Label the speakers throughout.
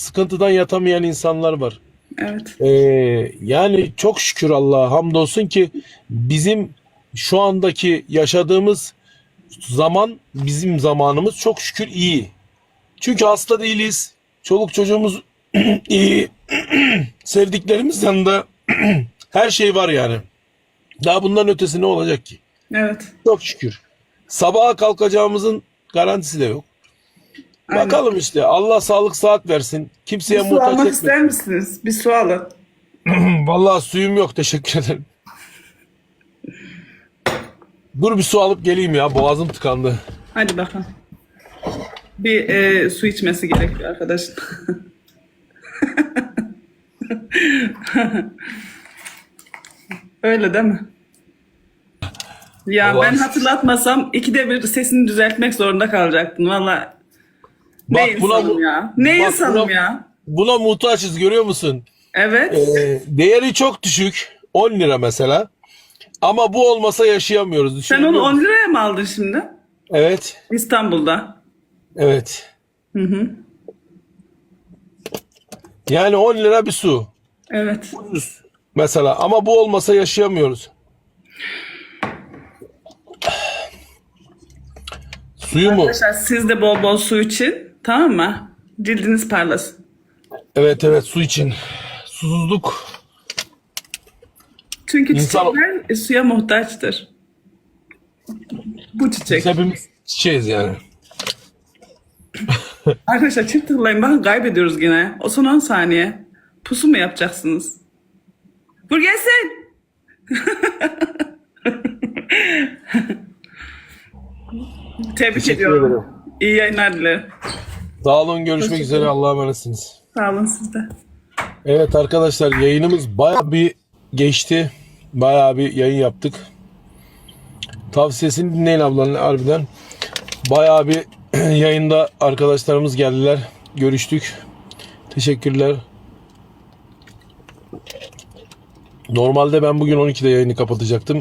Speaker 1: sıkıntıdan yatamayan insanlar var.
Speaker 2: Evet.
Speaker 1: Yani çok şükür Allah'a hamdolsun ki bizim şu andaki yaşadığımız zaman bizim zamanımız çok şükür iyi. Çünkü hasta değiliz. Çoluk çocuğumuz iyi. Sevdiklerimiz yanında her şey var yani. Daha bundan ötesi ne olacak ki?
Speaker 2: Evet.
Speaker 1: Çok şükür. Sabaha kalkacağımızın garantisi de yok.
Speaker 2: Aynen.
Speaker 1: Bakalım işte. Allah sağlık saat versin. Kimseye
Speaker 2: Su
Speaker 1: muhtaç
Speaker 2: almak ister
Speaker 1: etmesin.
Speaker 2: misiniz? Bir su alın.
Speaker 1: Vallahi suyum yok. Teşekkür ederim. Dur bir su alıp geleyim ya. Boğazım tıkandı.
Speaker 2: Hadi bakalım. Bir su içmesi gerekiyor arkadaşın. Öyle değil mi? Ya
Speaker 1: Allah
Speaker 2: ben
Speaker 1: aşkına.
Speaker 2: hatırlatmasam ikide bir sesini düzeltmek zorunda kalacaktın. Valla ne
Speaker 1: Bak
Speaker 2: insanım ya. Ne
Speaker 1: bak
Speaker 2: insanım ya.
Speaker 1: buna muhtaçız, görüyor musun?
Speaker 2: Evet.
Speaker 1: Değeri çok düşük. 10 lira mesela. Ama bu olmasa yaşayamıyoruz.
Speaker 2: Sen
Speaker 1: Düşünebiliyor
Speaker 2: onu 10
Speaker 1: musun?
Speaker 2: liraya mı aldın şimdi?
Speaker 1: Evet.
Speaker 2: İstanbul'da.
Speaker 1: Evet.
Speaker 2: Hı hı.
Speaker 1: Yani 10 lira bir su.
Speaker 2: Evet.
Speaker 1: Ucuz. Mesela ama bu olmasa yaşayamıyoruz. Suyu mu?
Speaker 2: Arkadaşlar siz de bol bol su için. Tamam mı? Cildiniz parlasın.
Speaker 1: Evet evet, su için. Susuzluk.
Speaker 2: Çünkü
Speaker 1: İnsan,
Speaker 2: çiçekler suya muhtaçtır. Bu çiçek.
Speaker 1: biz hepimiz çiçeğiz yani.
Speaker 2: Arkadaşlar çift tıklayın. Bakın kaybediyoruz yine. O son 10 saniye. Pusu mu yapacaksınız? Vur gelsin. Tebrik
Speaker 1: Teşekkür
Speaker 2: ediyorum.
Speaker 1: ederim.
Speaker 2: İyi yayınlar dilerim.
Speaker 1: Sağ olun, görüşmek
Speaker 2: Teşekkür
Speaker 1: üzere.
Speaker 2: ederim.
Speaker 1: Allah'a emanetsiniz.
Speaker 2: Sağ olun siz de.
Speaker 1: Evet arkadaşlar, yayınımız bayağı bir geçti. Bayağı bir yayın yaptık. Tavsiyesini dinleyin ablanın harbiden. Bayağı bir yayında arkadaşlarımız geldiler. Görüştük. Teşekkürler. Normalde ben bugün 12'de yayını kapatacaktım.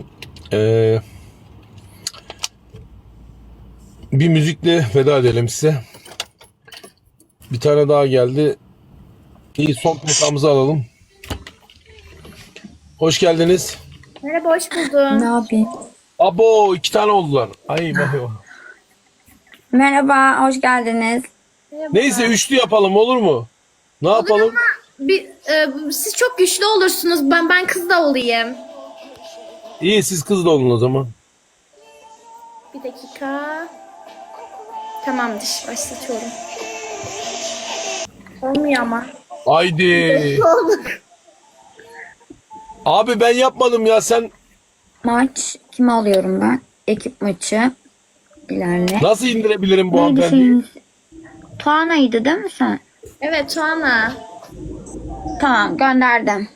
Speaker 1: Bir müzikle veda edelim size. Bir tane daha geldi. İyi, son notamızı alalım. Hoş geldiniz.
Speaker 3: Merhaba, hoş buldum.
Speaker 4: Ne yapayım?
Speaker 1: Abo, 2 tane oldular. Ay vay vay.
Speaker 4: Merhaba, hoş geldiniz.
Speaker 3: Merhaba.
Speaker 1: Neyse, üçlü yapalım, olur mu? Ne yapalım?
Speaker 3: Siz çok güçlü olursunuz. Ben kız da olayım.
Speaker 1: İyi, siz kız da olun o zaman.
Speaker 3: Bir dakika. Tamamdır, başlatıyorum. Olmuyor ama.
Speaker 1: Haydi. Abi ben yapmadım ya, sen
Speaker 4: Maç kimi alıyorum ben? Ekip maçı. İlerle.
Speaker 1: nasıl indirebilirim bu
Speaker 4: Neydi
Speaker 1: hanımefendiyi?
Speaker 4: senin? Tuana'ydı değil mi sen?
Speaker 3: Evet, Tuana.
Speaker 4: Tamam, gönderdim.